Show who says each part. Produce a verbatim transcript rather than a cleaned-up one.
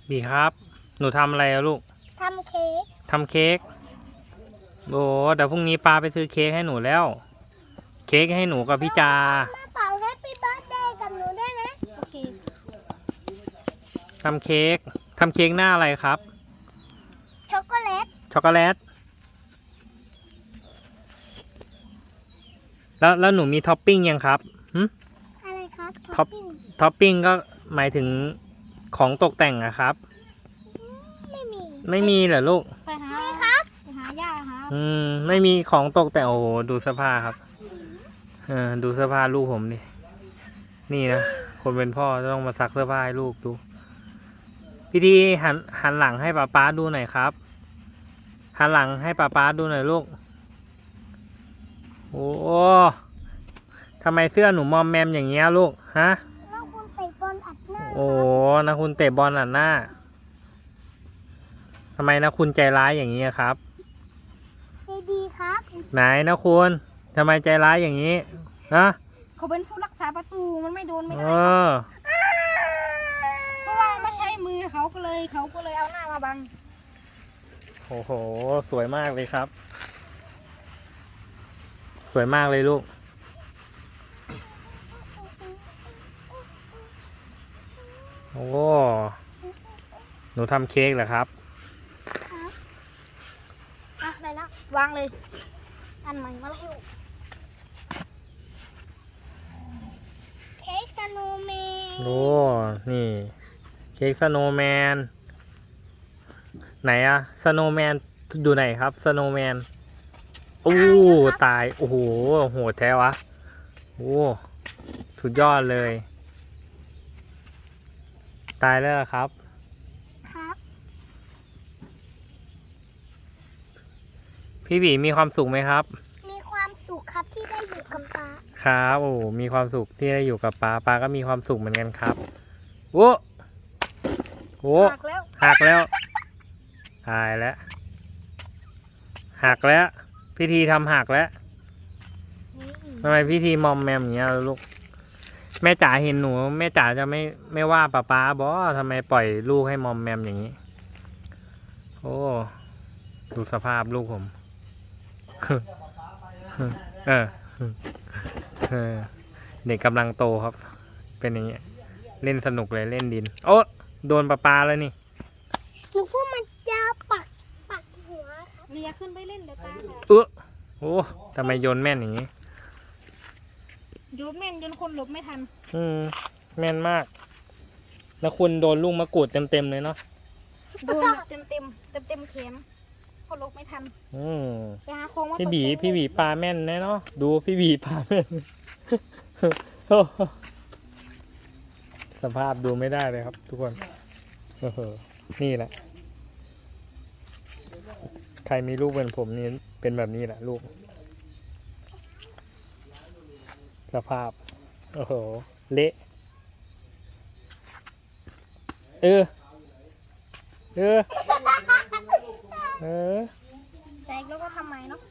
Speaker 1: บีครับ หนูทำอะไรอะลูก
Speaker 2: ทำเค้ก
Speaker 1: ทำเค้กโอ้เดี๋ยวพรุ่งนี้ป้าไปซื้อเค้กให้หนูแล้ว เค้กให้หนูกับพี่จา
Speaker 2: มาเป่าแฮปปี้เบิร์ธเดย์กับหนูได้ไหมโอเค
Speaker 1: ทำเค้กทำเค้กหน้าอะไรครับ
Speaker 2: ช็อกโกแลต
Speaker 1: ช็อกโกแลต แล้วแล้วหนูมีท็อปปิ้งยังครับหึ
Speaker 2: อะไรครับ
Speaker 1: ท็อปท็อปปิ้งก็หมายถึงของตกแต่งอะครับ
Speaker 2: ไม่มี
Speaker 1: ไม่มีเหรอลูก
Speaker 2: ไปหามีครับไปหาย่าครับ
Speaker 1: อืมไม่มีของตกแต่งโอ้โหดูเสื้อผ้าครับเออดูเสื้อผ้าลูกผมดินี่นะคนเป็นพ่อต้องมาซักเสื้อผ้าให้ลูกดูพี่ดีหันหันหลังให้ป้าป๊าดูหน่อยครับหันหลังให้ป้าป๊าดูหน่อยลูกโอ้ทำไมเสื้อหนูมอมแมมอย่างเงี้ยลูกฮะ
Speaker 2: แล้วคุณเตะบอลอัดหน้า
Speaker 1: โอ้นะคุณเตะบอลอัดหน้าทำไมนะคุณใจร้ายอย่างนี้ครับ
Speaker 2: ใจดีครับ
Speaker 1: ไหนนะคุณทำไมใจร้ายอย่างนี้นะ
Speaker 2: เขาเป็นผู้รักษาประตูมันไม่โดนไม่ได้
Speaker 1: เออ
Speaker 2: เพราะว่าไม่ใช่มือเขาก็เลยเขาก็เลยเอาหน้ามาบัง
Speaker 1: โอ้โหสวยมากเลยครับสวยมากเลยลูกโอ้หนูทำเค้กเหรอครับ
Speaker 2: อ่ะได้แล้ววางเลยอันใหม่มาแล้วเค้กสโนว์แมน
Speaker 1: โอ้นี่เค้กสโนว์แมนไหนอะสโนว์แมนอยู่ไหนครับสโนว์แมนโอ้ตายโอ้โหโหดแท้วะโอ้สุดยอดเลยตายแล้วครับ
Speaker 2: ครับ
Speaker 1: พี่บีมีความสุขไหมครับ
Speaker 2: มีความสุขครับที่ได้อยู่กับป๊า
Speaker 1: ครับโอ้มีความสุขที่ได้อยู่กับป๊าป๊าก็มีความสุขเหมือนกันครับโอ้โห
Speaker 2: หักแล้ว
Speaker 1: หักแล้วตายแล้วหักแล้วพิธีทำหักแล้วทำไมพิธีมอมแมมอย่างเงี้ยลูกแม่จ๋าเห็นหนูแม่จ๋าจะไม่ไม่ว่าป้าป๊าบอทำไมปล่อยลูกให้มอมแมมอย่างนี้โอ้ดูสภาพลูกผมเออเออเด็กกำลังโตครับเป็นอย่างเงี้ยเล่นสนุกเลยเล่นดินโอ้โดนป้าป๊าแล้วนี่
Speaker 2: หนูพูดมันจะปักปักหัวครับเรียขึ้นไปเล่นเดี๋ยวตา
Speaker 1: เออโอ้ทำไมโยนแม่นอย่างนี้
Speaker 2: โยนแม่นจนคนหลบไม่ทัน
Speaker 1: อืมแม่นมากแล้วคุณโดนลูกมะกรูดเต็มเต็มเลยเนาะ
Speaker 2: โดนเต็มเต็มเต็มเต็มเข็มคนหลบไม่ทัน
Speaker 1: อืม
Speaker 2: ไปหาโค้งว่า
Speaker 1: พี่บีพี่บีปลาแม่นแน่เนาะดูพี่บีปลาแม่นสภาพดูไม่ได้เลยครับทุกคนเออนี่แหละใครมีลูกเป็นผมนี่เป็นแบบนี้แหละลูกสภาพโอ้โหเละเออเออเออ
Speaker 2: แตกแล้วก็ทำไมเนาะ